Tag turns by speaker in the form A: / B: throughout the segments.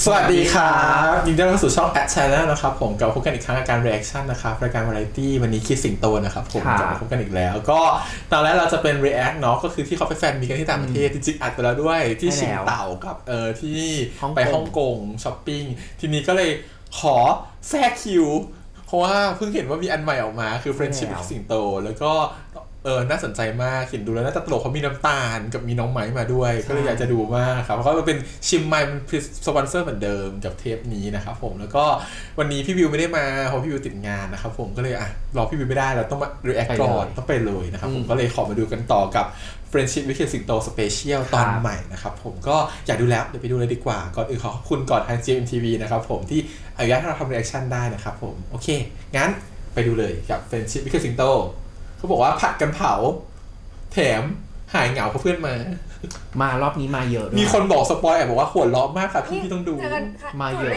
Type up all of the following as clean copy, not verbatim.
A: สวัสดีครับยินดีต้อนรับสู่ช่อง At Channel นะครับผมกลับมาพบกันอีกครั้งกับการ reaction นะครับรายการ variety วันนี้คิดสิงโตนะครับผมกลับมาพบกันอีกแล้วก็ตอนแรกเราจะเป็น react เนาะก็คือที่เขาไปแฟนมีกันที่ต่างประเทศจริงๆอัดไปแล้วด้วยที่ชิงเต่ากับที่ไปฮ่องกงช้อปปิ้งทีนี้ก็เลยขอแทรกคิวเพราะว่าเพิ่งเห็นว่ามีอันใหม่ออกมาคือ friendship กับสิงโตแล้วก็น่าสนใจมากเห็นดูแล้วน่าจะตลกเขามีน้ำตาลกับมีน้องไม้มาด้วยก็เลยอยากจะดูมากครับเพราะว่ามันเป็นชิมไมค์เป็นสปอนเซอร์เหมือนเดิมกับเทปนี้นะครับผมแล้วก็วันนี้พี่วิวไม่ได้มาเพราะพี่วิวติดงานนะครับผมก็เลยรอพี่วิวไม่ได้เราต้องมา react ก่อนต้องไปเลยนะครับผมก็เลยขอมาดูกันต่อกับ Friendship with สิงโต Special ตอนใหม่นะครับผมก็อยากดูแล้วเดี๋ยวไปดูเลยดีกว่าก่อนอื่นขอบคุณก่อนทาง GMTV นะครับผมที่อนุญาตให้เราทำ reaction ได้นะครับผมโอเคงั้นไปดูเลยกับ Friendship with สิงโตเขาบอกว่าผัดกันเผาแถมหายเหงาเพราะเพื่อน
B: มารอบนี้มาเยอะด้วย
A: มีคนบอกสปอยบอกว่าหัวเราะมากค่ะพี่ต้องดู
B: มาเยอะ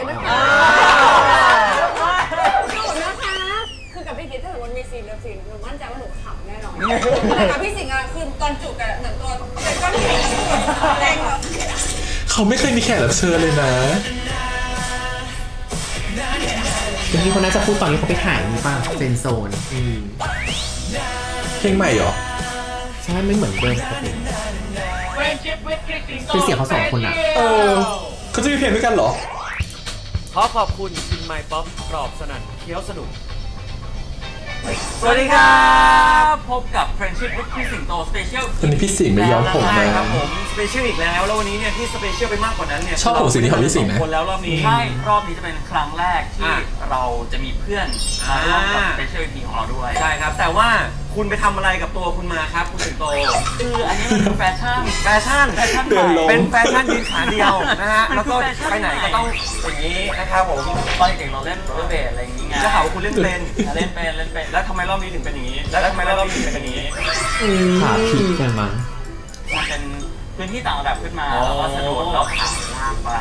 C: คือกับพี่คิดถ้ามันมีซีนเลิฟซีนหนูมั่นใจว่าหนูขำแน่นอนแต่กับพี่สิงห์คือตอนจูบกันเหมือนตัวเป็นก้อนหินแรงแบบ
A: เขาไม่เคยมีแขกรับเชิญเลยนะ
B: ทีนี้คนน่าจะพูดตอนนี้เขาไปถ่ายนี่ป่ะเฟนโซน
A: เพลงใหม่เหรอ
B: ใช่ไม่เหมือนเดิมปกติเป็นเสียงเขาสองคนอ่ะ
A: เขาจะมีเพลงด้วยกันเหรอ
D: ขอขอบคุณชินไมป๊อปกรอบสนั่นเคี้ยวสนุกสวัสดีครับพบกับ Friendship with พี่สิงโต Special
A: วันนี้พี่สิงห์ไม่ย้อมผม
D: นะครับผม Special อีกแล้ววันนี้เนี่ยที่ Special ไปมากกว่านั้นเนี่ย
A: ชอบผมสีนี้ของพี่สิงห์นะ
D: คนแล้วรอบนี้ใช่รอบนี้จะเป็นครั้งแรกที่เราจะมีเพื่อนมาร่วมกับ Special EP ของเราด้วยใช่ครับแต่ว่าคุณไปทำอะไรกับตัวคุณมาครับคุณสิงโตคืออันนี้มันคือแฟชั่นเป็นแฟชั่นยืนขาเดียวนะฮะแล้วก็ไปไหนก็ต้องอย่างนี้นะครับผมตอนเด็กเราเล่นโรลเบลอะไรอย่างเงี้ยจะหาว่าคุณเล่นเป็นแล้วทำไมรอบนี้ถึงเป็นอย่างนี้แล้วทำไมรอบนี้ถึงเป็นอย่างนี้
B: ขาผิดกันมั้ง
D: มันเป็นพื้นที่ต่างระดับขึ้นมาแล้วก็สะดวกเราขับลากไป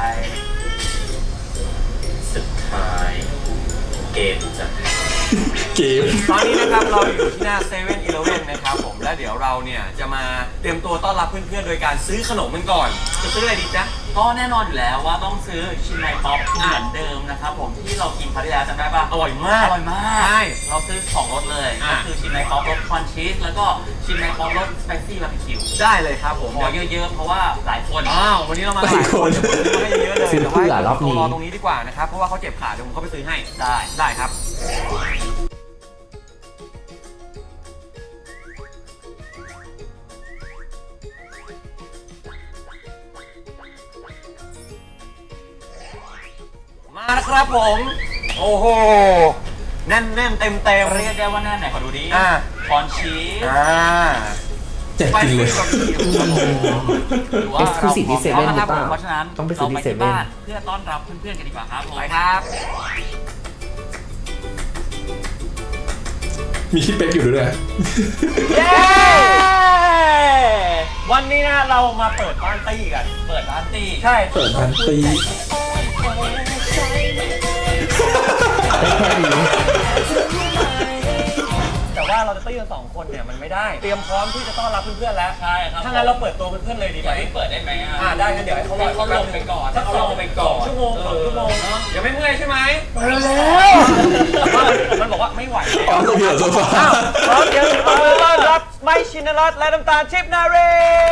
D: สุดท้ายเกมจะตอนนี้นะครับเราอยู่ที่หน้า7-Elevenนะครับผมและเดี๋ยวเราเนี่ยจะมาเตรียมตัวต้อนรับเพื่อนๆโดยการซื้อขนมกันก่อนจะซื้ออะไรดีจ๊ะก็แน่นอนอยู่แล้วว่าต้องซื้อชินไมป๊อปเหมือนเดิมนะครับผมที่เรากินครั้งที่แล้วจำได้ป่ะอร่อยมากใช่เราซื้อ2รสเลยก็คือชินไมป๊อปรสคอนชีสแล้วก็ชินไมป๊อปรสสไปซี่บาร์บีคิวได้เลยครับผมขอเยอะๆเพราะว่าหลายคนวันนี้เรามาหลายคนให้เยอะเลยแต่ว่ารอตรงนี้ดีกว่านะครับเพราะว่าเขาเจ็บขาเดี๋ยวผมเข้าไปซื้อให้ได้ครับมาแล้วครับผมโอ้โหแน่นเต็มเรียกได้ว่าแน่นไหนขอดูดิคอนชีส
A: เจ็บจริงเลย
B: เอ็กซ์คลูซีฟที่เซเว่นหรือเปล่า
D: เพราะฉะนั้น
B: ต้องไปซื้อที่เซเว่น
D: เพื่อต้อนรับเพื่อนๆกันดีกว่าครับไปครับ
A: มีคิดเป๊กอยู่ด้วย
D: เย้วันนี้นะเรามาเปิดบ้านตี้กันใช่
A: เปิดบ้านตี้
D: แต่ว่าเราจะตี้กัน2คนเนี่ยมันไม่ได้เตรียมพร้อมที่จะต้อนรับเพื่อนๆแล้วใช่ครับถ้างั้นเราเปิดตัวเพื่อนๆเลยดีไหมเปิดได้ไหมได้งั้นเดี๋ยวให้เขาลงไปก่อนถ้าเขาลงไปก่อน2 ชั่วโมงยังไม่เมื่อยใช่ไหมแล้วมันบอกว่าไม่ไหว
A: แล้วเดี๋ยวจะฟัง
D: พร้อมเดี๋ยวต้อนรับไมค์ชินรัตน์และน้ำตาลทิพย์นารี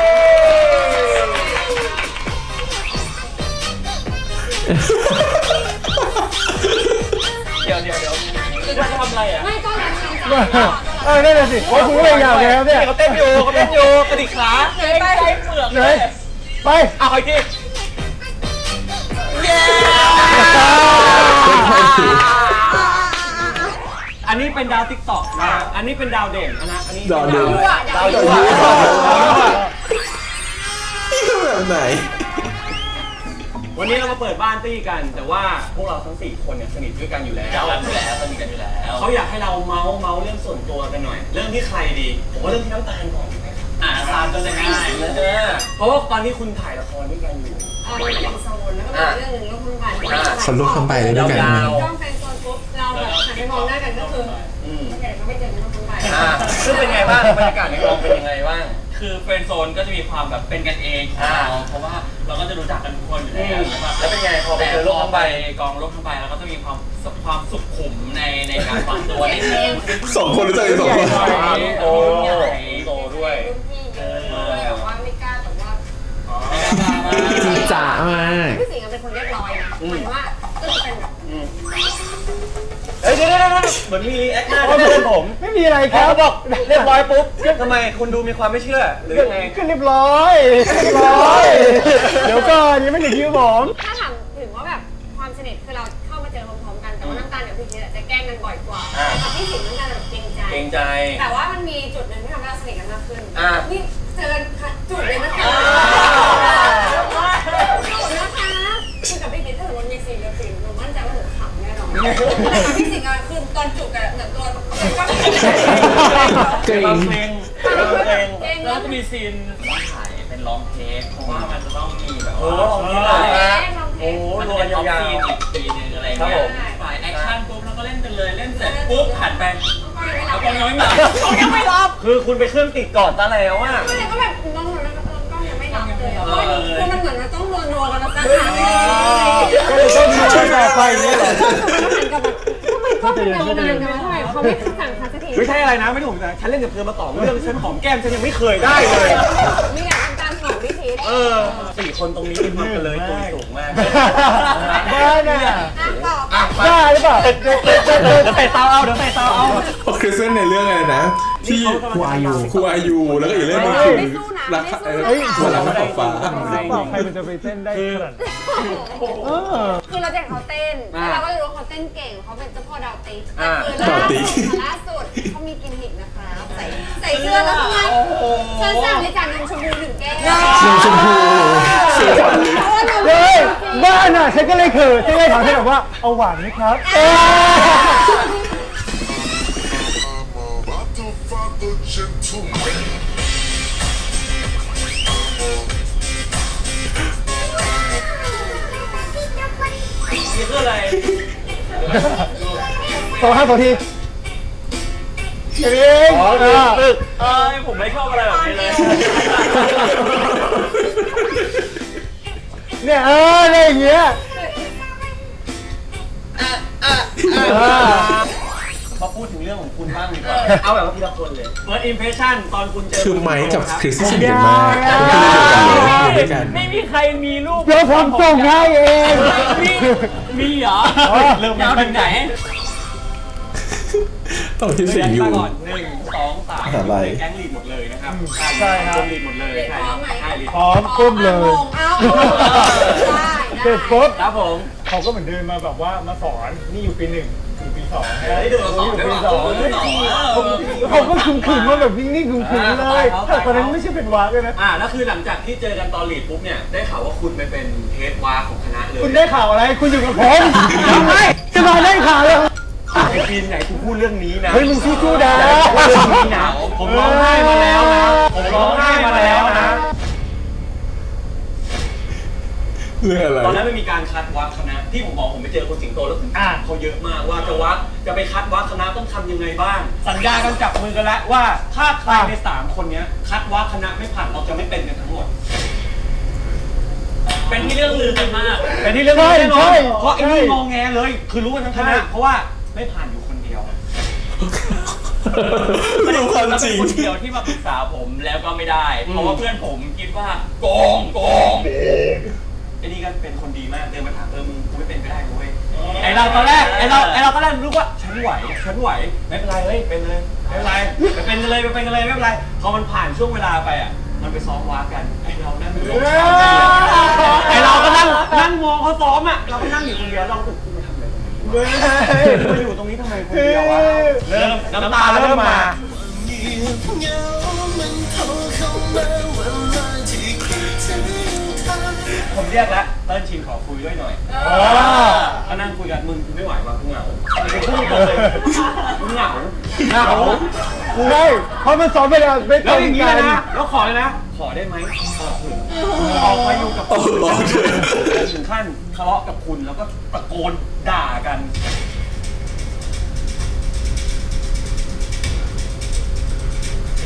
D: เดี๋ยวจะทำอะไรอ่ะ
C: ไม่ก็
D: นั่นสิว่าคุณไม่อยากแล้วเนี่ยเขาเต้นอยู่กระดิกขาเกรงใจเปลือกเลยไปเอาอีกทีเย้อันนี้เป็นดาวติ๊กต็อกนะอันนี้เป็นดาวเด่นนะอันนี้
A: ดาวเด่นนี่คือแบบไหน
D: วันนี้เรามาเปิดบ้านตี้กันแต่ว่าพวกเราทั้ง4คนเนี่ยสนิทด้วยกันอยู่แล้วสนิทกันอยู่แล้วเขาอยากให้เราเมาส์เรื่องส่วนตัวกันหน่อยเรื่องที่ใครดีผมว่าเรื่องที่น้ำตาลก่อนตาลก็จะง่ายเพราะว่าตอนนี้คุณถ่ายละครด้วยกันอยู่
C: เป็นโซนแล้วก็เป็นเรื่องหนึ่งลูกทุ่งกัน
A: คนลูกทำไปเลยด้วยกัน
C: ต้องเป็นโซนปุ๊บเราแบบหันไปมองหน้ากันก็คือไม่เจอลูกทุ่งไป
D: ซึ่งเป็นไงบ้างบรรยากาศในกองเป็นยังไงบ้างคือเฟรนด์โซนก็จะมีความแบบเป็นกันเองของเราเพราะว่า
E: เราก็จะรู้จักกันทุกคนอยู่แล้วนะครับ
D: แล้วเป็นไงพอไป
E: แต่
D: เจอ
E: พ
D: โลก
E: อ
D: ทั้ง
E: ไป
D: ใบ
E: กองโลกทั้งใบเราก็จะมีความสุขุมในการวางตัวนิดนึง
A: สองคนรู้จักกันสองคน
D: โอ้
E: โตด้วย
C: รุ่นพี่เยอะเลยแบบว่าไม่กล้าแต่ว่า
B: จีจ๋ามาก
C: พี่สิงห์เป็นคนเรียบร้อยนะหมายว่าก็จะเป็นแบบ
D: เฮ้ยเดี๋ยวเหมือนมีรีแอคหน้าที่เพื่อนผม
F: ไม่มีอะไร
D: พ
F: ค
D: อ
F: รับ
D: เขาบอกเรียบร้อยปุ๊บทำไมคุณดูมีความไม่เชื่อหรือยังไง
F: ก็เรียบร้อยเรียบร้อย เดี๋ยวก่อนยังไม่ถึงคิวผม
C: ถ้าถามถึงว่าแบบความสนิทคือเราเข้ามาเจอพร้อมๆกันแต่ว่าน้ำตาลกับพี่คิดจะแกล้งกันบ่อยกว่าแต่พี่สิงห์น้ำตาลแบบเกรงใจ
D: เกรงใจ
C: แต่ว่ามันมีจุดหนึ่งที่ทำให้เราสนิทกันมากขึ้น นี่เจอกันจุดเลยนะคะจุดนะคะคือกับพี่คิดถ้าสมมติมีซีนกับซีนหนูมั่นใจว่าหนูขำแน่นอนแต่กับพี่สิงห์อะคือตอนจุดกันเหมือนตัวเป็นก้อนหิน
B: เกรง
D: เพลงเพลง
E: แล้วจะมีซีนถ่ายเป็นลองเทคเพราะว่ามันจะต้องมีแบบ
D: โอ้
E: ว่า
D: ของนี่เลยโอ้
E: มัน
D: ร
E: จะ
D: ว
E: เป็
D: ย
E: นออฟ
D: ยาว
E: ซีนอีกทีนึงอะไร
D: ครับ
E: เงี้
D: ผ
E: ย
D: ม
E: ฝ่ายแอคชั่นปุ๊บแล้วก็เล่นกันเลยเล่นเสร็จปุ๊บหันไป
C: แล้
E: แล้ว ว
C: ก็
E: ก็
C: ยัง
E: ยัง
C: ไม่
E: ไม่
C: ห
E: ห
C: ลั
E: ลั
C: บบ ยังไม่รับ
D: คือคุณไปเครื่องติดก่อนซะแล้วอ่ะ
C: ก็เลยก็แบบน้องหนูแล้วก็ยังไม่รับเลยคือมันเหมือนมันต้องนัวกันมาสักครั้งเลย
F: ก็เลยต้องมีช่วยต่อไปอย่างนี้เหรอ
C: เหมือนกับแบบทำไมก็เป็นยาวนานกันทำไมเขาไม่สั่งคัสที
D: ไม่ใช่อะไรนะไม่ถูกนะฉันเล่นกับเธอมาต่อเรื่องฉันหอมแก้มฉันยังไม่เคยได้เลย
C: มีอยากทำตามของพี่พีท
D: สี่คนตรงนี้เป็นมันกันเลยตัวสูงมาก
F: บ้าน่ะ
C: ต่อ
F: บ้าหรือเปล่า
D: เดี๋ยวเตะเตาเอาเดี๋ยวเตะเตาเอา
A: เพราะคริสเซนในเรื่องอะไรนะ ที่
B: ครูอายุ
A: ครูอายุแล้วก็อีกเรื่องหนึงคือรักวันรักขอบฟ้า
F: ใครมันจะไปเต้นได้ขนาดนั้น
C: คือเราจะเห็นเขาเต้นแล้วเราก็รู้ว่าเขาเต้นเก่งเขาเป็นเจ้าพ่อดาวติ๊กล่าสุดเขามีกิมมิกนะคะใส่เสื้อแล้วทำไมฉันสั่งในจานนมชมพูหนึ่งแก้ว
A: นมชมพูเสียขวัญเลย
F: เฮ้ยบ้าน่ะฉันก็เลยเขินฉันก็เลยถามเธอแบบว่าเอาหวานไหมครับ
G: Father, gentleman.
E: นี่คืออะไร
F: ต่อ5 นาทีเอง
E: ผมไม่ชอบอะไรแบบนี้เลย
F: เนี่ยอะไรอย่างเงี้ย
D: มาพูดถึงเรื่องของคุณบ้างดีกว่าเอาแบบว่าทีละคนเลย First impression ตอนคุณเจอ
A: คือไมค์กับคริสที่สนิท
F: ย
A: กันมากอยู่ด้วยกัน
E: ไม่มีใครมีรูป
F: เดี๋ยวผมส่งให้เอง
E: มีเหรอ
D: เริ่ม
E: ยาวถึงไหน
A: ต้องที่สิงอยู่
E: มาก่อน1 2 3
A: อะไร
E: แก๊งลีดหมดเลยนะครับ
F: ใช่ครับ
E: ลีดหมดเลย
C: พร้อมไหม
E: ใช่ลีด
F: พร้อมก้มเลย
C: เอาได้
F: เสร็จปุ๊บ
D: ครับผม
F: เขาก็เหมือนเดินมาแบบว่ามาสอนนี่อยู่ปี 1 อยู่ปี 2
D: ได้ดูมาสอนได้
F: ปี
D: ป่ะ
F: 2เขาก็ขึงๆมาแบบนิ่งๆขึงๆเลยแต่ตอนนั้นไม่ใช่เป็นวากเลยนะ
D: แล้วคือหลังจากที่เจอกันตอนลีดปุ๊บเนี่ยได้ข่าวว่าคุณไปเป็นเฮดวาของคณะเลย
F: คุณได้ข่าวอะไรคุณอยู่กับผมทำไมจะมาได้ข่าวเลย
D: ไอ้ปีนไหนกูพูดเรื่องนี้นะ
F: เฮ้ยมึงสู้ๆนะ
D: ผมร้องไห้มาแล้วนะผมร้องไห้มาแล้วนะ
A: เรื่องอะไร
D: ตอนนั้นมันมีการคัดวัดคณะที่ผมบอกผมไปเจอคนสิงโตแล้วผมอ่านเขาเยอะมากว่าจะไปคัดวัดคณะต้องทำยังไงบ้าง สัญญากันจับมือกันแล้วว่าถ้าใครใน3คนเนี้ยคัดวัดคณะไม่ผ่านเราจะไม่เป็นกันทั้งหมด
E: เป็นที่เรื่องลือกันมาก
D: เป็นที่เรื่องนี้แน่นอนเพราะไอ้นี่งอแงเลย คือรู้กันทั้งคณะเพราะว่าไม่ผ่านอยู่คนเดียว
A: ดูความจริง
E: เป็นคนเดียวที่มาปรึกษาผมแล้วก็ไม่ได้ เพราะว่าเพื่อนผมคิดว่าโกง
D: ไอ้นี่ก็เป็นคนดีมากเดินมาถามมึงกูไม่เป็นก็ได้เว้ยไอ้เราตอนแรกรู้ว่าฉันไหวไม่เป็นไรเฮ้ยเป็นเลยไม่เป็นไรไปเป็นกันเลยไม่เป็นไรพอมันผ่านช่วงเวลาไปอ่ะมันไปซ้อมวากันไอ้เรานั่งอยู่ไอ้เราก็นั่งมองเขาซ้อมอ่ะเราก็นั่งอยู่คนเดียวเรากูมาทำอะไรมาอยู่ตรงนี้ทำไมคนเดียววะเริ่มน้ำตาเริ่มมา ผมเรียกแล้วเติ้ลชินขอคุยด้วยหน่อยก็นั่งคุยกันมึงไม่ไหวว่ะกูเหงากูเหงา
F: กูได้เพราะมันสอนไปแล้วไม่
D: แล้
F: ต้
D: ว
F: อง
D: อย่างนี้
F: การ
D: นะแล้วขอเลยนะขอได้ไหมออกมาอยู่กับคุณถึงขั้นทะเลาะกับคุณแล้วก็ตะโกนด่ากัน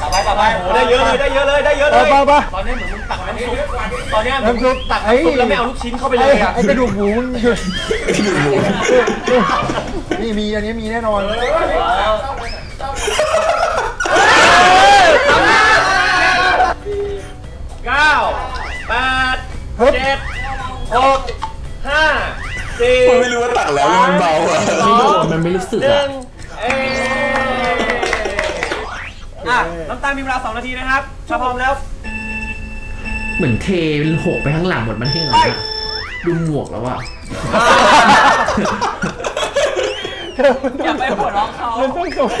D: ต่อไปโอ้ได้เยอะเลยได้เยอะเลยได้เยอะเลย
F: ไป
D: ตอนนี้เหมือนมึงตักน้ำซุปตอนนี้
F: น้ำซุป
D: ตักน้ำซุปแล้วไม่เอาลูกชิ้นเข้าไปเลยอะ
F: ไอ้กระดูกหมูมึงหยุดนี่มีอันนี้มีแน่นอน
D: 9 8 7 6 5 4
A: ผมไม่รู้ว่าตักแล้วมันเบาอ่ะ
B: ไม่โดนมันไม่รู้สึก
D: หนึ่
B: อ่ะ
D: งน้ำตาลมีเวลา2 นาทีนะครับถ้าพร้อมแล้ว
B: เหมือนเทหกไปข้างหลังหมดมันให้เหรอเนี่ยดูหมวกแล้วอ่ะ
E: อย่าไปหัวเราะเขา
F: มันต้องส่ง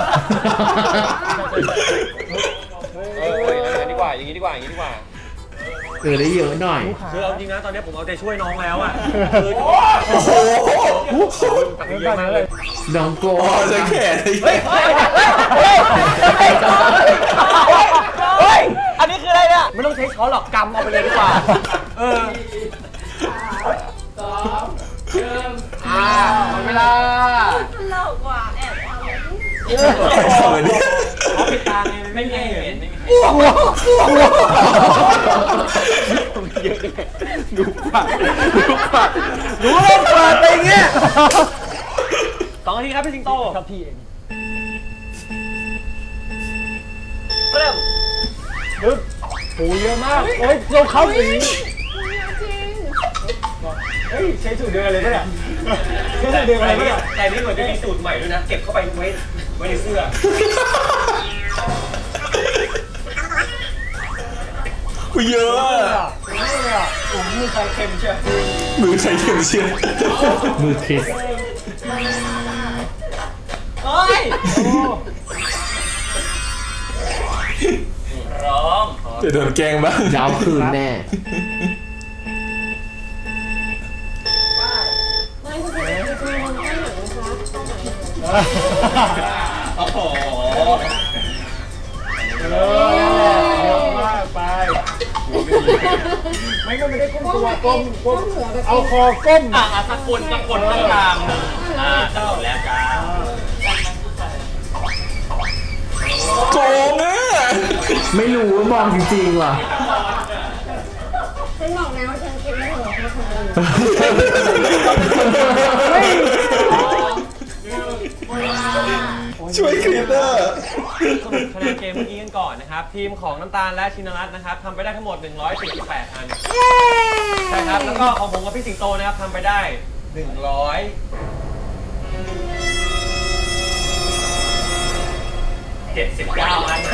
D: อย่างนี้ดีกว่าอย่างนี้ดีกว่าอย่างนี้ดีกว่า
B: ได้เยอะหน่อย
D: คือเอาจริงนะตอนนี้ผมเอาใจช่วยน้องแล้วอ่ะคือ
A: โอ้โห
D: ตักเยอะมากเลย
B: น้องโก
A: อ๋อจะแขน
D: เฮ้ยอันนี้คืออะไรเนี่ยไม่ต้องใช้ช้อนหรอกกำเอาไปเลยดีกว่าหมดเวลา
C: ตลกกว่าแอบทำ
A: เหมือนนี่
D: เขาปิดตาไงไม่มีใครเห็น
F: ดูปากดูเล่นเปิดไปอย่างเงี้ย
D: 2 นาทีครับพี่สิงโต
F: ครับพี่เอง
D: เริ่ม
F: ปึ๊บโอ้เยอะมากโอ้ยเราเข้าสี
C: จริง
F: เฮ้ยใช้สูตรเดียวกันเลยปะเนี่ยใช้
D: แต่
F: สูตรเดียวกันเลยปะเนี่ย
D: นี่เหมือนจะมีสูตรใหม่ด้วยนะเก็บเข้าไปไว้ในเสื้อ
A: เยอะอะ
F: โอ้มือใครเค็มเชียว
A: มือใครเข็มเชียว
B: มือคริส
D: เฮ้ย
E: ร้อง
A: จะโดนแกล้งบ้าง
B: ยาวคืนแน่
C: ไม่คุณเป็นคนให้หนูนะคะ
E: โอ้โห
F: เยอะมากไปไม่ก็ไม่ได้ก้มตัวก้มเอาคอก้ม
E: สักคนตรงกลางเจ้าแล้วจ้า
A: โกงอ่ะ
B: ไม่รู้ว่ามองจริงๆว่ะ
C: ฉันบอกแล้วว่าฉันคิดไม่ถูกคือคนอื่น
A: ช่วยคลิปอ่ะ
D: สรุปคะแนนเกมเมื่อกี้กันก่อนนะครับ ทีมของน้ำตาลและชินรัตน์นะครับทำไปได้ทั้งหมด 148 อันใช่ครับ แล้วก็ของผมกับพี่สิงโตนะครับทำไปได้
E: 79 อัน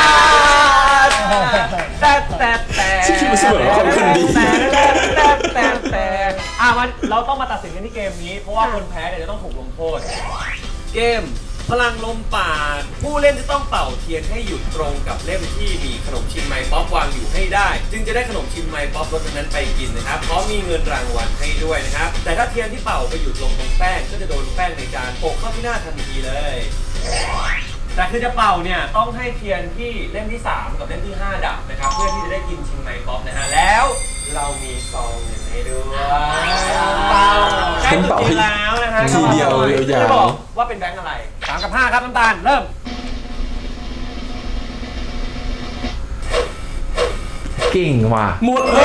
D: แต่
A: ชื่อคลิปมันเสมอความคนดี
D: แต่มันเราต้องมาตัดสินกันที่เกมนี้ เพราะว่าคนแพ้เนี่ยจะต้องถูกลงโทษ เกมพลังลมปราณผู้เล่นจะต้องเป่าเทียนให้หยุดตรงกับเล่มที่มีขนมชิ้นไม้ป๊อปวางอยู่ให้ได้ จึงจะได้ขนมชิ้นไม้ป๊อปรสนั้นไปกินนะครับพร้อมมีเงินรางวัลให้ด้วยนะครับแต่ถ้าเทียนที่เป่าไปหยุดลงตรงแป้งก็จะโดนแป้งในจานโปะเข้าที่หน้าทันทีเลย แต่คือจะเป่าเนี่ยต้องให้เทียนที่เล่มที่ 3 กับเล่มที่ 5 ดับนะครับเพื่อที่จะได้กินชิมไมป๊อปนะฮะแล้วเรามีซองเงินให้ด้วยใกล้จุดจีนแล้วนะฮะ
A: ทีเดียวยาวๆ
D: จะบอกว่าเป็นแบงค์อะไร3 กับ 5 ครับน้ำตาลเริ่ม
B: เก่งว่ะ
A: หมดเลย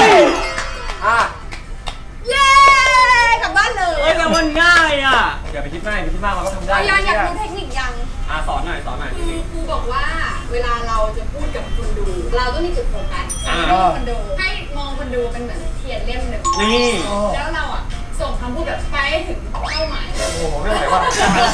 C: เย้กลับบ้านเลย
D: เอ้ยแต่มันง่ายอ่ะอย่าไปคิดมากมันก็ทำได้
C: เราอยากรู้เทคนิคยัง
D: สอนหน่อย
C: คือครูบอกว่าเวลาเราจะพูดกับคนดู เราต้องมีจุดโฟกัสคนดูให้มองคนดูเป็นเหมือนเทียนเล่มหนึ่ง
D: นี่
C: แล้วเราอ่ะส่งคำพูดแบบไปให้ถึงเป้าหมาย
D: โอ้โหไม่ไหวว่ะ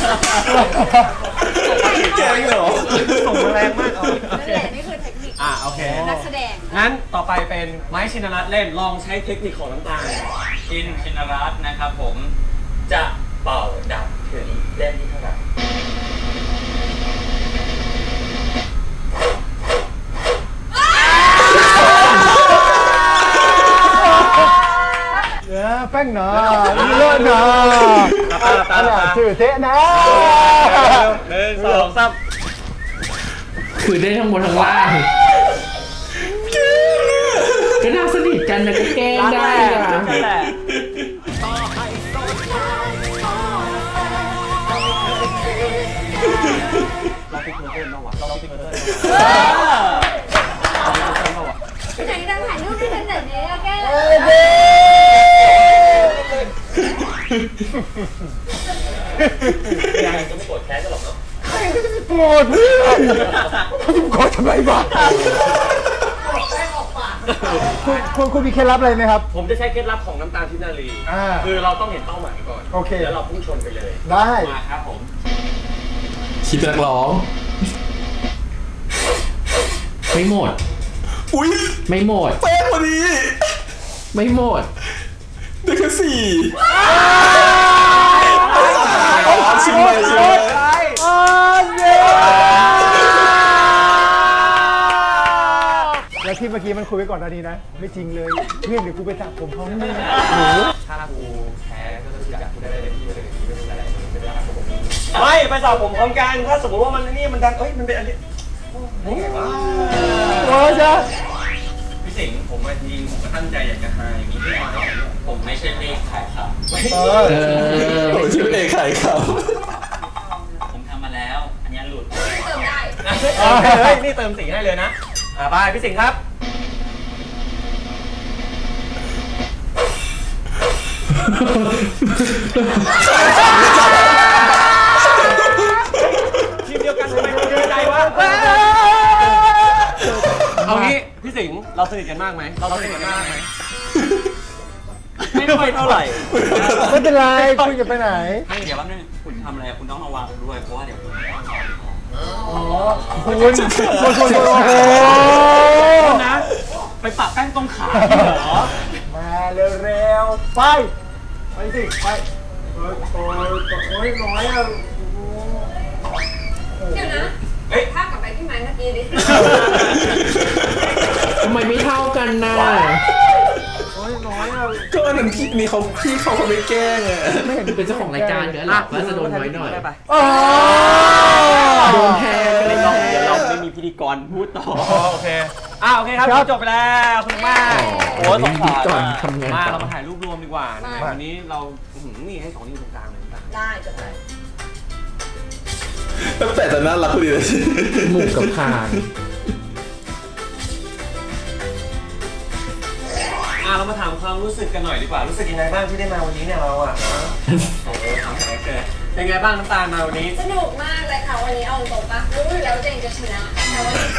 A: แกล้งเหรอ
D: ส่งมาแรงมาก
C: นั่นแหละนี่คือเทคนิค
D: โอเค
C: นักแสดง
D: งั้นต่อไปเป็นไม้ชินรัตน์เล่นลองใช้เทคนิคของน้ำตาล
E: ชินรัตน์นะครับผมจะเป่าดับถึงเล่มที่เท่าไหร่
F: แป้งหนาเลิศหนาถือเทะนะ
D: 1 2 3
B: คือได้ทั้งบนทั้งล่างก็น่าสนิทกันนะก็แกล้งได้อะ
D: นั่นแหละเราปิดเมอร์เทอร์บ้างวะเราปิดเมอร์เทอร์
C: ไหนดังถ่ายรูปด้วยกันหน่อยเนี่ยแก้
D: ยังจะไม่โกรธแค้นกันหรอกเนาะ
F: โกรธเพื่อนเขาจะโกรธทำไมวะคุณมีเคล็ดลับอะไรไหมครับ
D: ผมจะใช้เคล็ดลับของน้ำตาลทิพย์นารี คือเราต้องเห็นเป้าหมายก่อน
F: โอเค
D: แล้วเราพุ่งชนไปเลย
F: ได้
D: มาครับผม
A: คิดเป็นนักร้อง
B: ไม่หมด
A: อุ้ย
B: ไม่หมด
A: เป๊ะพอดี
B: ไม่หมด
A: ได้แค่4ชิมเลยชิมเลย
F: แล้วที่เมื่อกี้มันคุยไว้ก่อนหน้านี้นะ ไม่จริงเลย เพื่อนเดี๋ยวกูไปสระผมพร้อมมึง
D: ถ้ากูแพ้ก็จะจับกูได้เลยที่ไม่เป็นไรไม่เป็นไรไม่ไปสอบผมพร้อมกันถ้าสมมติว่ามันนี่มันดันมันเป็นอันนี้นี่ไงวะ
F: โอ้ยจ้ะ
D: พี่สิงห์ผมจริงผมก็ตั้งใจอยากจะหาอย่างนี้ที่มาผมไม่ใช่เลขขายครับ
F: เออ
A: โอ้ยชื่อเอกไข่ครับ
E: ผมทำมาแล้ว อันนี้หลุด
C: เติมได้
D: เฮ้ยนี่เติมสีให้เลยนะไปพี่สิงห์ครับทีมเดียวกันทำไมคุณเจอใจวะเอางี้พี่สิงห์เราสนิทกันมากไหมเราสนิทกันมากไหมไม่ค่อยเท่าไหร่
F: ไม่เป็นไรคุณจะไปไหน
E: ให้เดี๋ยวแป๊บนึงคุณทำอะไรคุณต้องระวังด้วย เพราะว่าเดี๋ยวคุณ
F: คุณโอ้โห
E: นะ ไปปะแป้งตรงขาเหรอ
F: มาเร็วๆ ไปสิ ไปโอ้ยน้อยอ่ะ
C: เดี๋ยวนะภาพกลับไปที่ไม้เมื่อกี้ดิ
B: ทำไมไม่เท่ากันน่ะ
F: โอ้ยน้อยอ่ะ
A: ก็อันนั้นพี่นี่เขาไม่แกล้งอ่ะ
B: ไม่เห็นเป็นเจ้าของรายการเดี๋ยวหลับว่าจะโดนน้อยหน่อย
F: อ๋อ
B: โดนแทนกันเลยเนาะ
E: เดี๋ยวเราไม่มีพิธีกรพูดต่อ
D: โอเคโอเคครับจบไปแล้วคุณมากโอ้สงสาร
B: ก่อนทำงาน
D: มา
B: ต่
D: เรา
B: อ
D: มาถ่ายรูปรวมดีกว่านะครับวันนี้เรานี่ให้2นิ้วตรงกลางเลยต่าง
C: ได้จบเลย
A: ตั้งแต่ตอนนั้นรักพอดีเลย
B: หมูกับคาง
D: เรามาถามความรู้สึกกันหน่อยดีกว่ารู้สึกยังไงบ้างที่ได้มาวันนี้เนี่ยเราอ่ะโอ้โหถามแขกเกิดเป็นไงบ้างน้ำตาลมาวันนี้
C: สนุกมากเลยค่ะวันนี้เอาตรงปะรู้อยู่แล้วว่าตัวเองจะชนะแต่ว่าดีใจ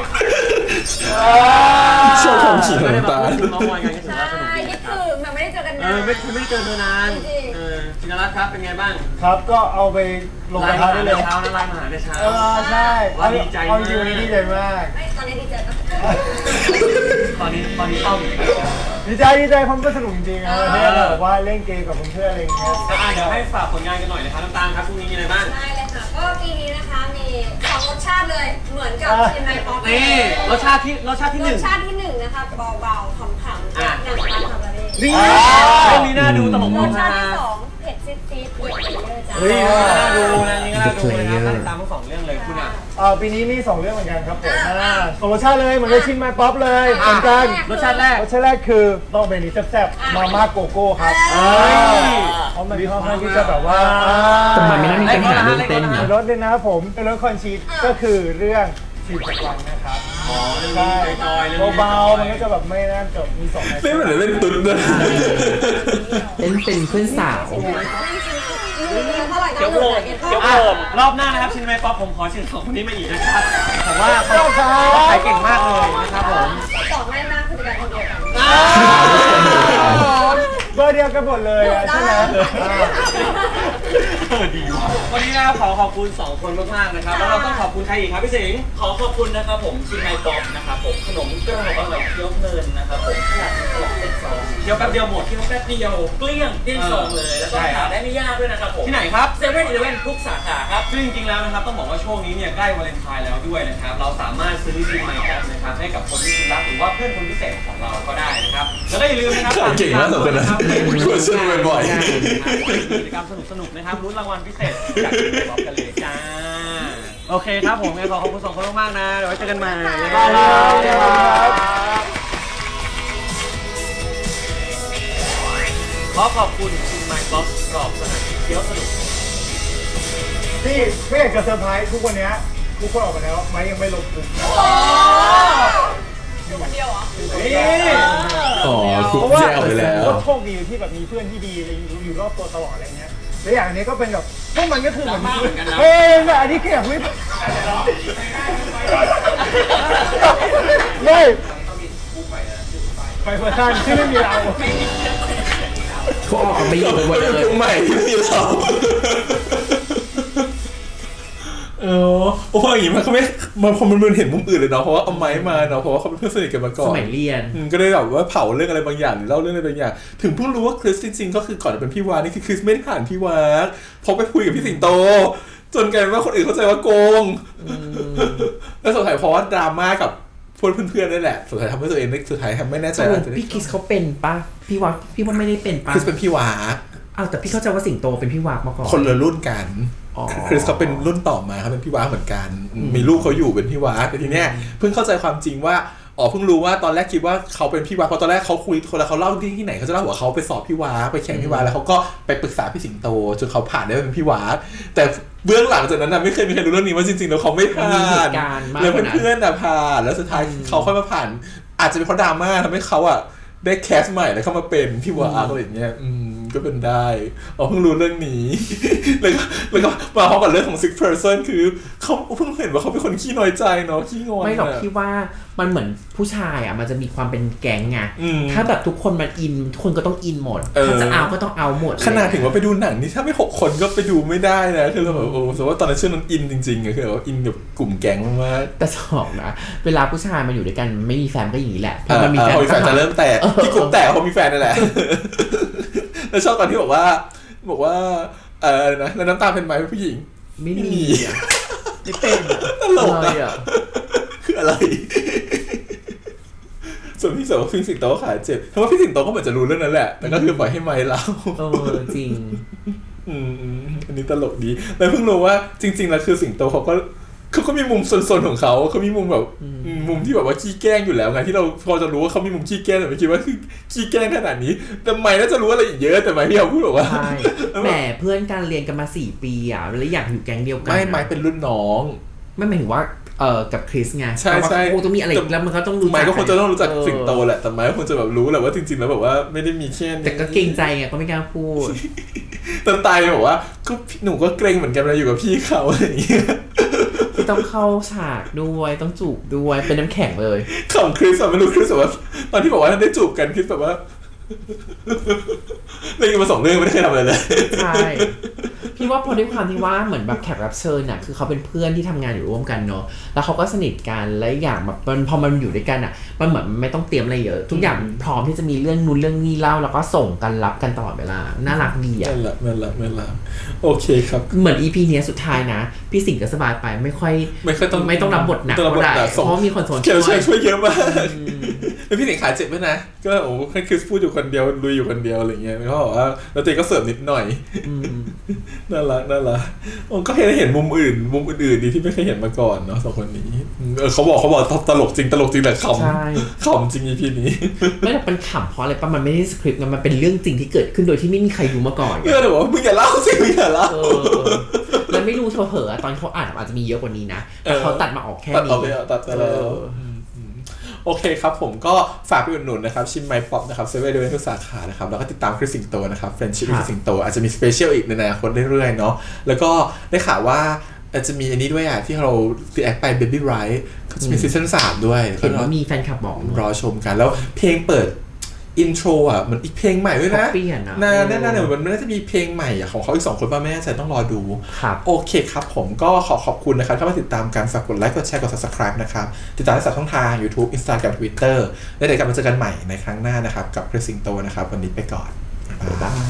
A: ชอบความขี่
D: ไม่
A: ของ
D: ได้มา
A: ตา
D: พูดถึงน้องมอยกันก็ถือ
C: ใช่
D: ว่าสนุกดี
C: นี่
D: นะครับ
C: คือมันไม่ได้เจอกันนาน
D: ไม่เจอเธอนาน
C: จริง
D: ชินรัตน์ครับเป็นไงบ้าง
F: ครับ ก็เอาไปลงกระทะได้เลย
D: เช้านะไลน์มาหาในเช้า
F: ใช่
D: ว่าดีใจมาก
F: เอาจริงวันนี้ดีใจมาก
C: ไม่ตอนนี้ดีใจปะ
D: ตอนนี้เศร้าอยู่
F: ดีใจเพราะมันก็สนุกจริงๆนะเนี่ยแบบว่าเล่นเกมกับเพื่อนๆอะไรอย่างเงี้ย
D: เดี๋ยวให้ฝากผลงานกันหน่อยนะครับน้ำตาลครับพรุ่งนี้มีอะไรบ้าง
C: ได้เลยค่ะก็ปีนี้นะคะมี2รสชาติเลยเหมือนกับชิมไมป๊อป
D: นี่รสชาติที่
C: ร
D: หนึ่
C: ส
D: ง
C: ชาติที่1นะคะเบาๆขำๆจากนางฟ้าคาบาเร่
D: นี่เรื่องนี้น่าดูตลก
C: ร
D: มาก
C: สชาติที่2เผ็ดซีดๆเด็ดเลยจ้า
D: เฮ้ยน่าดูนะนี่ก็น่าดูนะครับตามทั้ง2เรื่องเลยคุณอ่ะ
F: ปีนี้มี2เรื่องเหมือนกันครับผมสองรสชาติเลยเหมือนกับชินไมป๊อปเลยเหมือนกัน
D: รสชาติแรก
F: รสชาติแรกคือต้องเป็นนี้แซ่บๆมาม่าโกโก้ครับเพราะมันค่อนข้างที่จะแบบว่า
B: ทำไมไม่นั่งมีปัญหาเรื่องเต้น
F: มี
B: เนี่ย
F: รสเลยนะครับผมเป็นรสคอนชีสก็คือเรื่องชีสจากวันนะครับ
D: อ๋อเรื่อง
F: ใช่
D: นี้จอยๆ
F: เบาๆมันก็จะแบบไม่น่าจะมี2ใน
A: เล่นเหมือนเล่นตุ๊ดเลย
B: เต้นเป็นเพื่อนสาว
C: เท่าไหร่
E: เดี๋ยวโผล่เดี๋ยวโผล่
D: รอบหน้านะครับชินไมป๊อปผมขอเชิญ2คนนี้มาอีกนะครับผมว่าเขาขายเก่งมากเลยนะครับผม
C: ต่อง่ายมากคือการคนเดียวกัน
F: เบอร์เดียวกันหมดเลยใช่ไหม
D: ดีว่ะวันนี้นะครับขอบคุณ2คนมากๆนะครับแล้วเราต้องขอบคุณใครอีกครับพี่สิงห์
E: ขอขอบคุณนะครับผมชิมไมป๊อปนะครับผมขนมกรอบอร่อยเคี้ยวเพลินนะครับผมขนาดตลอดเต็มซอง
D: เคี้ยวแป๊บเดียวหมด
E: เคี้ยวแป๊บเดียวเกลี้ยงเกลี้ยงซองเลย แล้วก็หาได้ไม่ยากด้วยนะครับผม
D: ที่ไหนครับ
E: เซเว่นอีเลฟเว่นทุกสาขาครับ
D: ซึ่งจริงๆแล้วนะครับต้องบอกว่าช่วงนี้เนี่ยใกล้วาเลนไทน์แล้วด้วยนะครับเราสามารถซื้อซิมไมค์แอปนะครับให้กับคนที่คุณรักหรือว่าเพื่อนคนพิเศษของเราก็ได้นะครับแล้วก็อย่าลืมนะครับ
A: เก่งมากสองคนนะช่วยช่วยบ่อย
D: กิจกรรมสนุกๆนะครับลุ้นรางวัลพิเศษจากทีมบล็อกกันเลยจ้าโอเคครับผมงั้นขอขอบคุณ2คนมากๆนะเดี๋ยวไว้เจอกันใหม่ขอขอบคุณชิมไมค์บ็อกกรอบสถานที่เที่ยวสนุก
F: ที่ไม่อยากจะเซอร์ไพรส์ทุกวันนี้ทุกคนออกมาแล้วไม้ยังไม่ลงกลุ่ม
C: อยู่คนเดียวเหรอ
F: นี่
A: อ๋อคุ
F: เพ
A: ก
F: ราะว่า
A: แยกออกไปแล้ว
F: โชคดีที่แบบมีเพื่อนที่ดีอยู่รอบตัวตลอดอะไรเงี้ยและอย่างนี้ก็เป็นแบบพวกมันก็คือเหมือนเฮ้ยแบบอันนี้คือแบบไม่ไปเพื่อนที่ไม่มีเรา
B: เขาออกกันไปอยู่กันหมดเลย
A: ใหม่ที่มีเราเพราะว่าอย่างนี้มันก็ไม่พอมันเห็นมุมอื่นเลยเนาะเพราะว่าเอาไม้มาเนาะเพราะว่าเขาเป็นเพื่อนสนิทกันมาก่อน
B: สมัยเรียน
A: ก็ได้แบบว่าเผาเรื่องอะไรบางอย่างหรือเล่าเรื่องอะไรบางอย่างถึงเพิ่งรู้ว่าคริสจริงๆก็คือก่อนจะเป็นพี่วานี่คือคริสไม่ได้ผ่านพี่วาเพราะไปคุยกับพี่สิงโตจนกลายเป็นว่าคนอื่นเข้าใจว่าโกงแล้วสุดท้ายเพราะว่าดราม่ากับเพื่อนๆนั่นแหละสุดท้ายทำให้ตัวเองสุดท้ายทำไม่แน่ใจว่าจะได้
B: พี่คริสเขาเป็นปะพี่ว่าไม่ได้เป็นปะ
A: คริสเป็นพี่วา
B: อ้าวแต่พี่เข้าใจว่าสิงโตเป็นพี่วากมาก่อน
A: คนละรุ่นกัน
B: อ๋อ
A: คริสเขาเป็นรุ่นต่อมาเขาเป็นพี่วาเหมือนกันมีลูกเขาอยู่เป็นพี่วาแต่ทีเนี้ยเพิ่งเข้าใจความจริงว่าเพิ่งรู้ว่าตอนแรกคิดว่าเขาเป็นพี่วาเพราะตอนแรกเขาคุยคนละเขาเล่าที่ไหนเขาจะเล่าว่าเขาไปสอบพี่วาไปแข่งพี่วาแล้วเขาก็ไปปรึกษาพี่สิงโตจนเขาผ่านได้เป็นพี่วาแต่เบื้องหลังจากนั้นนะไม่เคยมีใครรู้เรื่องนี้ว่าจริงๆแล้วเขาไม่ผ่านแล้วเพื่อนๆผ่านแล้วสุดท้ายเขาค่อยมาผ่านอาจจะเป็นเพราะดราม่าทำให้เขาได้แคสใหม่แล้วเข้ามาเป็นพี่วาอะไรอย่างเงี้ยก็เป็นได้เพิ่งรู้เรื่องนี้ แล้วก็มาพร้อมกับเรื่องของ six person คือเขาเพิ่งเห็นว่าเขาเป็นคนขี้น้อยใจเนาะขี้งอน
B: ไม่หรอกพี่ว่ามันเหมือนผู้ชายมันจะมีความเป็นแก๊งไงถ้าแบบทุกคนมันอินทุกคนก็ต้องอินหมดถ้าจะเอาก็ต้องเอาหมด
A: ขนาดถึงว่าไปดูหนังนี่ถ้าไม่6 คนก็ไปดูไม่ได้นะคือเราแบบสมมติว่าตอนนั้นชื่อนั้นอินจริงๆคือแบบอินกับกลุ่มแก๊งมาก
B: แต่สองนะเวลาผู้ชายมาอยู่ด้วยกันไม่มีแฟนก็อย่างนี้แหละพอมันมีแฟน
A: จะเริ่มแตกที่กลุ่มแตกเพราะมีแฟนนั่นแหละแล้วชอบตอนที่บอกว่านะแล้วน้ำตาเป็นไหมผู้หญิง
B: ไม่มี
F: ไม่เป็น
A: ตลกคืออะไรส่วนพี่เสือว่าพี่สิงโตก็ขาเจ็บเพราะว่าพี่สิงโตก็เหมือนจะรู้เรื่องนั้นแหละแต่ก็คือปล่อยให้ไม้เล่า
B: จริง
A: อันนี้ตลกดีแล้วเพิ่งรู้ว่าจริงๆแล้วคือสิงโตเขาก็มีมุมซนๆของเขามีมุมแบบมุมที่แบบว่าขี้แกล้งอยู่แล้วไงที่เราพอจะรู้ว่าเขามีมุมขี้แกล้งแต่ไม่คิดว่าคือขี้แกล้งขนาดนี้แต่ไมน่าจะรู้อะไรอีกเยอะแต่ไมพี่เขาพูดบอกว่า
B: ใช่แหมเพื่อนการเรียนกันมา4 ปีแล้วอยากอยู่แก๊งเดียวกัน
A: ไมเป็นรุ่นน้อง
B: ไม่หมายถึงว่ากับคริสไง
A: ใช่
B: คงต้องมีอะไรแล้วมันก็ต้องรู้
A: ไมก็คงจะต้องรู้จักสิงโตแหละแต่ไมก็คงจะแบบรู้แหละว่าจริงๆแล้วแบบว่าไม่ได้มีแค่
B: แต่ก็เกรงใจไงก็ไม่กล้าพูด
A: ตอนตายบอกว่าก็หนูก็เกรงเหมือนกันเวลาอยู่กับพี่เขาอะไรอย่างเงี้ย
B: ที่ต้องเข้าฉากด้วยต้องจูบด้วยเป็นน้ำแข็งเลย
A: ของคริสไม่รู้คริสว่าตอนที่บอกว่าได้จูบกันคริสแบบว่าเรื่องมา2 เรื่องไม่ได้เคยทำอะไรเลย
B: ใช่พี่ว่าพอด้วยความที่ว่าเหมือนแบบแขกรับเชิญคือเขาเป็นเพื่อนที่ทำงานอยู่ร่วมกันเนาะแล้วเขาก็สนิทกันและอย่างแบบพอมันอยู่ด้วยกันมันเหมือนไม่ต้องเตรียมอะไรเยอะทุกอย่างพร้อมที่จะมีเรื่องนู้นเรื่องนี้เล่าแล้วก็ส่งกันรับกันตลอดเวลาน่ารักดี
A: นั่นแหละโอเคครับ
B: เหมือน EP นี้สุดท้ายนะพี่สิงห์ก็สบายไปไม่ต้องรับบทหนักก็ได้เพราะมีคนสนใจ
A: ช่วยเยอะมากแล้วพี่สิงห์ขาเจ็บไหมนะก็ให้คริสพูดอยู่คนเดียวลุยอยู่คนเดียวอะไรเงี้ยเขาบอกว่าแล้วตัวเองก็เสริมนิดหน่อยน่ารักก็เห็นมุมอื่นดีที่ไม่เคยเห็นมาก่อนเนาะ2 คนนี้เขาบอกตลกจริงแต่ขำจริง EP นี้
B: ไม่แต่เป็นขำเพราะอะไรป่ะมันไม่ได้สคริปต์มันเป็นเรื่องจริงที่เกิดขึ้นโดยที่ไม่มีใครรู้มาก่อน
A: แต่ว่ามึงอย่าเล่าสิมึงอย่าเล่า
B: แล้วไม่รู้เผลอตอนเขาอ่านอาจจะมีเยอะกว่านี้นะแต่เขาตัดมาออกแค่นี้
A: ตัดไปแล้วโอเคครับผมก็ฝากไปอุดหนุนนะครับชิมไมป๊อปนะครับเซเว่นเดเวนทุกสาขานะครับแล้วก็ติดตามคริสสิงโตนะครับเฟรนชิพคริสสิงโตอาจจะมีสเปเชียลอีกในอนาคตเรื่อยๆเนาะแล้วก็ได้ข่าวว่าอาจจะมีอันนี้ด้วยที่เรารีแอคไป Baby Right เขาจะมีซีซั่น3ด้วย
B: เห็นว่ามีแฟนคลับบอก
A: รอชมกันแล้วเพลงเปิดอินโทรมันอีกเพลงใหม่ด้วยนะน่าเนี่ยมันน่าจะมีเพลงใหม่ของเขาอีก2 คนป่ะไม่แน่ใจต้องรอดูโอเคครับผมก็ขอบคุณนะครับที่มาติดตามกันฝากกดไลค์กดแชร์กด Subscribe นะครับติดตามได้จากช่องทาง YouTube Instagram Twitter แล้วเดี๋ยวกลับมาเจอกันใหม่ในครั้งหน้านะครับกับคริสสิงโตนะครับวันนี้ไปก่อนบ๊ายบาย